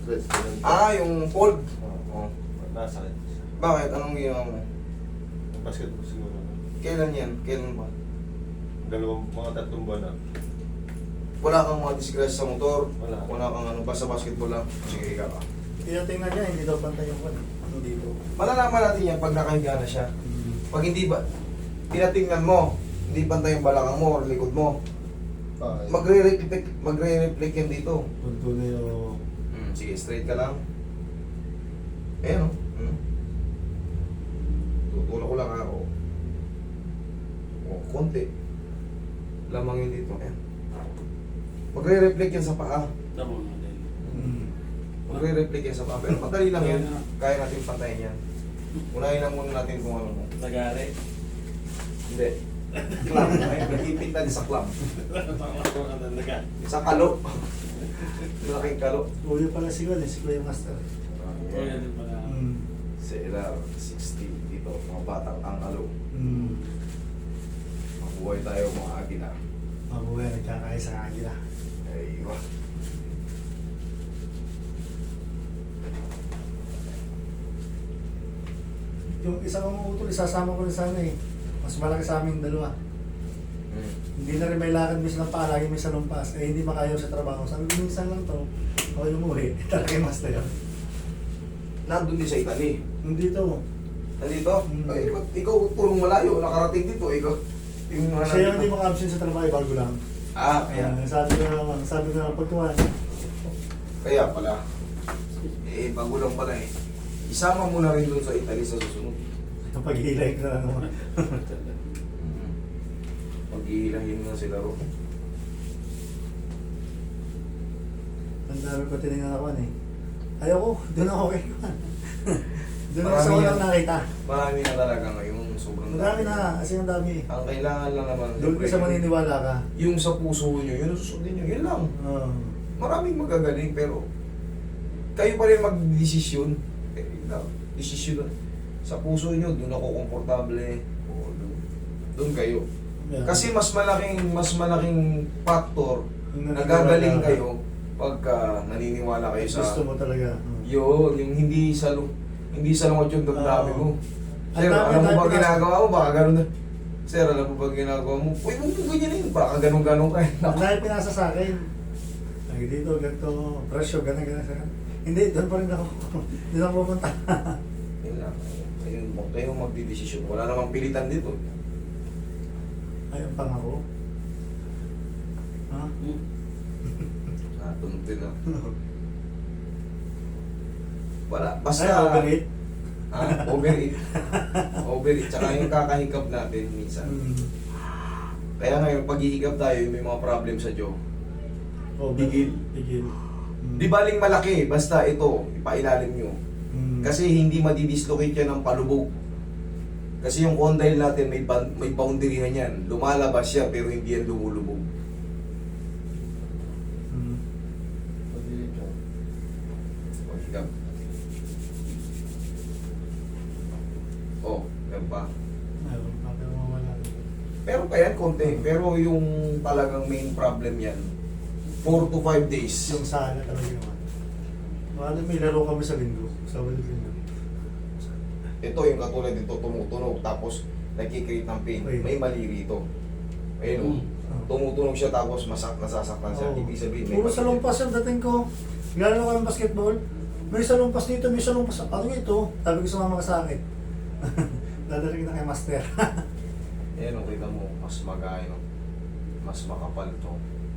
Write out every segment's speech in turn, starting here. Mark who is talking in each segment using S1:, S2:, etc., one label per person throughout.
S1: stress.
S2: Yung cold.
S1: Oo. Nasakit.
S2: Bakit? Anong ginawa mo?
S1: Yung basketball siguro.
S2: Kailan yan? Kailan ba?
S1: Mga 3 buwan na.
S2: Wala kang mga disgrasya sa motor?
S1: Wala.
S2: Wala kang ano, basta basketball lang? Sige, ikaw ka.
S3: Tinatingnan niya, hindi daw pantay yung kwan. Hindi ko.
S2: Malalaman natin yan pag nakahiga na siya. Pag hindi ba, tinatingnan mo, hindi pantay yung balakang mo or likod mo, magre-reflect yan dito.
S3: Tuntunay o...
S2: Sige, straight ka lang. Ayan o. Tutulak ko lang ako. O, konti. Lamang yun dito. Ayan. Magre-reflect yan sa paa.
S4: Tama nga din.
S2: Magre-reflect yan sa paa. Pero madali lang yan. Kaya natin pantayin yan. Unahin lang muna natin kung ano mo.
S4: Nagari.
S2: Hindi. Club. Ay, nag-ipit na sa club.
S4: Nagari.
S2: Sa kalo. Malaking kalo.
S3: Kuya pala si Kuya, si Kuya Master.
S4: Oo, yan din pala.
S2: Sa LR 60 dito, mga batang ang kalo. Mabuhay tayo mga agila.
S3: Mabuhay, nagkakaya sa agila.
S2: Ay, iba.
S3: Yung isa kong utol, isasama ko rin sana eh. Mas malaki sa aming dalawa. Hindi na rin may lakad minsan ng paa, lagi may salumpas. Eh hindi makayaw sa trabaho. Sabi ko, minsan lang to. Ako yung umuwi. Talaga yung master yun.
S2: Nandun din sa Italy.
S3: Nandito.
S2: Nandito? Ay, ba't ikaw purong malayo, nakarating dito, ikaw. Yung mga
S3: Siya yung hindi
S2: nandito.
S3: maka-absent sa trabaho, bago lang.
S2: Kaya.
S3: Sabi ko naman, pagkuhan.
S2: Kaya pala. Bago lang pala eh. Isama mo na rin dun sa Italy sa susunod.
S3: Pag-hilay ko na naman.
S2: Pag-iilahin na sila ro.
S3: Ang dami ko tinignan ako eh. Ayoko, doon ako kay Juan. Doon ako sa
S2: Marami
S3: walang
S2: yan.
S3: nakita.
S2: Marami na talaga ngayon. Sobrang
S3: Madami na, kasi ang dami.
S2: Ang kailangan lang naman.
S3: Doon ko sa maniniwala ka.
S2: Yung sa puso nyo, yun ang susundin nyo. Yun lang. Maraming magagaling pero kayo pa rin mag-desisyon. Desisyon sa puso nyo, doon ako komportable. O doon kayo.
S3: Yeah.
S2: Kasi mas malaking factor
S3: Yung
S2: nagagaling
S3: naniniwala ka.
S2: kayo pagka naniniwala kayo sa
S3: Gusto mo talaga.
S2: yun, yung hindi sa lungot yung damdamin mo. Sir,
S3: Ang dami,
S2: alam mo
S3: dami
S2: ba
S3: na-
S2: ginagawa mo? Baka ganun na. Sir, alam mo ba ginagawa mo? Uy, huwag mo ganyan yun. Baka ganun-ganun ka.
S3: Ang dahil pinasa sa akin. Ay, dito, ganito, presyo, gano'n. Hindi, doon pa rin ako. Hindi na ako pupunta.
S2: Yun lang. Ayun, huwag kayong magdidesisyon. Wala namang pilitan dito.
S3: Ay, ang pangako. Ha?
S2: Tunog din lang. Wala. Basta...
S3: Ay, overheat.
S2: Overeat. Overeat. Tsaka yung kakahigap natin minsan. Kaya ngayon, pag-ihigap tayo, may mga problem sa jaw. Bigil.
S3: Bigil.
S2: Di baling malaki, basta ito, ipailalim nyo. Kasi hindi madidislocate yan ng palubog. Kasi yung condyle natin, may boundary na yan. Lumalabas siya, pero hindi yan lumulubog. Paghigap. Oh, yan pa.
S3: Meron pa, pero mawala.
S2: Pero pa yan, konti. Pero yung talagang main problem yan, 4 to 5 days.
S3: Yung sana talaga naman. Mahal, may laro kami sa linggo. Sa balik linggo.
S2: Ito yung katulad dito, tumutunog, tapos nagkikreate ng pain.
S3: Okay.
S2: May mali rito. Ayun, tumutunog siya tapos nasasaktan siya. Ibig sabihin, may
S3: Puro
S2: mali
S3: sa lumpas yung dating ko. Gano'n ko ng basketball. May salumpas dito, may salumpas. Ano ito? Sabi ko sumama ka sa akin. Dadaling na kay Master.
S2: Ayan, kita mo, mas magayon, mas makapal to.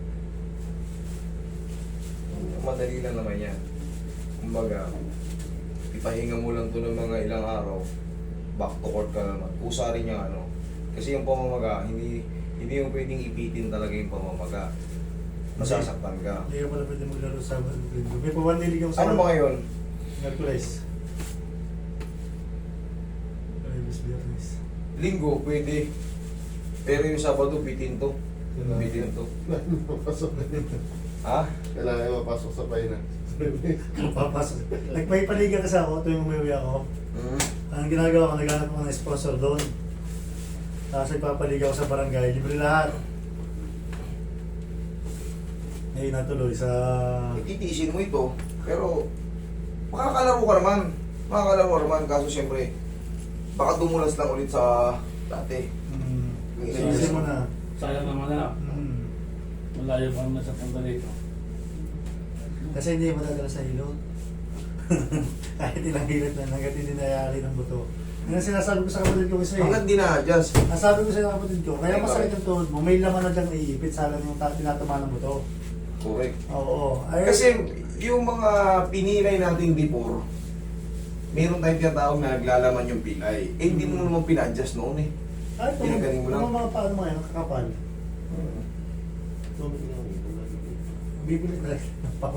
S2: Madali lang naman yan. Kumbaga, ipahinga mo lang to ng mga ilang araw, back to court ka naman. Kusa rin yung ano. Kasi yung pamamaga, hindi yung pwedeng ipitin talaga yung pamamaga. Masasaktan ka.
S3: Hindi ka pala pwede maglaro sa balik linggo. May pawandilig ako sa
S2: Ano ba ngayon?
S3: Merkules. Biyernes.
S2: Linggo, pwede. Pero yung Sabado, bitin to. Bitin to.
S1: Papasok na dito.
S2: Ha?
S1: Kailangan mapasok sa paina.
S3: Papasok. Nagpaipaligan kasi ako tuwing umuwi ako. Ang ginagawa ko, naghanap ako ng sponsor doon. Tapos nagpapaligaw ako sa barangay, libre lahat. Ngayon natuloy sa...
S2: Ititiisin mo ito. Pero, makakalaro ka naman. Makakalaro ka naman, kaso siyempre, baka dumulas lang ulit sa dati.
S3: Sisi mo na.
S4: Sayang naman na. Malayo pa naman sa punta dito.
S3: Kasi hindi mo madadala sa hilot. Kahit ilang hilot na, hanggat hindi nayari ng buto. Yan ang sinasabi ko sa kapatid ko kasi.
S2: Hanggang di na-adjust.
S3: Ang sabi ko sa kapatid ko, kaya
S2: Ay,
S3: masakit
S2: bakit?
S3: ang tuhod mo, may laman na dyan iipit sa alam yung tinatama ng buto.
S2: Correct.
S3: Oo. Ay,
S2: Kasi yung mga pinilay natin before, meron tayong tinatawag na naglalaman yung pilay. Eh, hindi mo naman pina-adjust noon eh.
S3: ay,
S2: pinagaling mo lang.
S3: Mga mga paano mga yan, kakapal. Bibili na lang ng pako.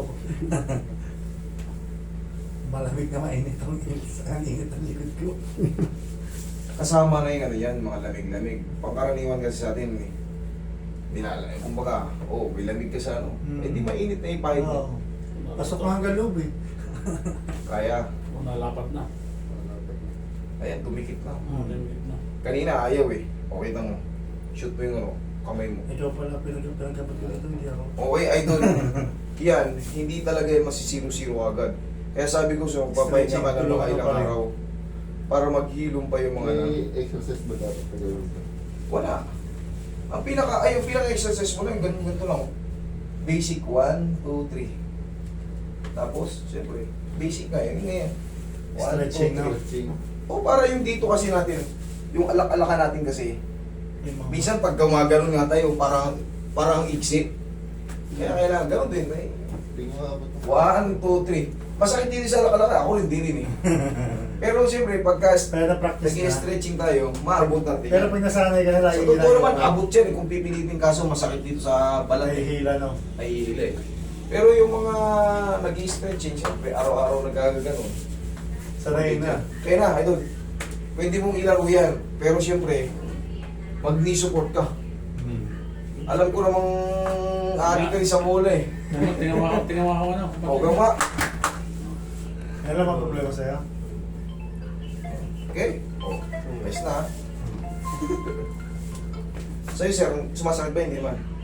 S3: Malamig na mainit ang init ang likod ko.
S2: Kasama na yung ano yan, mga lamig-lamig. Pangkaraniwan kasi sa atin eh. Nilalamig. Kumbaga, may lamig ka sa ano. Eh di mainit na yung pahit
S3: Oo.
S2: mo.
S3: Pasok mo hanggang loob eh.
S2: Kaya,
S4: Kung nalapat na.
S2: ayan, tumikit na.
S4: Limit na.
S2: Kanina ayaw eh. Okay na mo. Shoot mo yung ano, kamay mo.
S3: Ikaw pala pinagkapat ko ito, hindi ako.
S2: Okay, idol. Yan, hindi talaga yan masisiro-siro agad. Kaya sabi ko sa magpapahinga ka na mga ilang araw para maghilom pa yung mga
S1: May exercise ba dapat na gawin ka?
S2: Wala. Ang pinaka-exercise mo lang, ganito lang. Basic 1, 2, 3. Tapos, siyempre, basic na yun. Yun na yan. 1, 2,
S3: Stretching na.
S2: 3.
S1: Stretching.
S2: O para yung dito kasi natin, yung alak-alakan natin kasi,
S3: Yung mga-
S2: minsan pag gumagano'n nga tayo, parang iksi. Kaya kailangan gano'n din. Eh.
S1: Tingnan nga ba ito?
S2: 1, 2, 3. Masakit din sa alak-alakan. Ako hindi rin eh. Pero siyempre, pagka
S3: Pero na-practice na.
S2: nag-stretching tayo, maabot natin.
S3: Pero pag nasanay ka na lagi
S2: Sa totoo naman, abot yan. Kung pipilitin kaso, masakit dito sa balat.
S3: Nahihila no.
S2: Nahihila eh. Pero yung mga nag-stretching, siyempre, araw-araw nagagano'n.
S3: Sanay na.
S2: Kaya na, idol. Pwede mong ilaro yan. Pero siyempre, mag-knee support ka. Alam ko namang ari ka rin sa mula eh.
S4: Tinawa ko na.
S2: O gama.
S3: Ano ba problema sa'yo?
S2: Okay? O, ayos na. Sa'yo sir, sumasakit ba? Hindi man.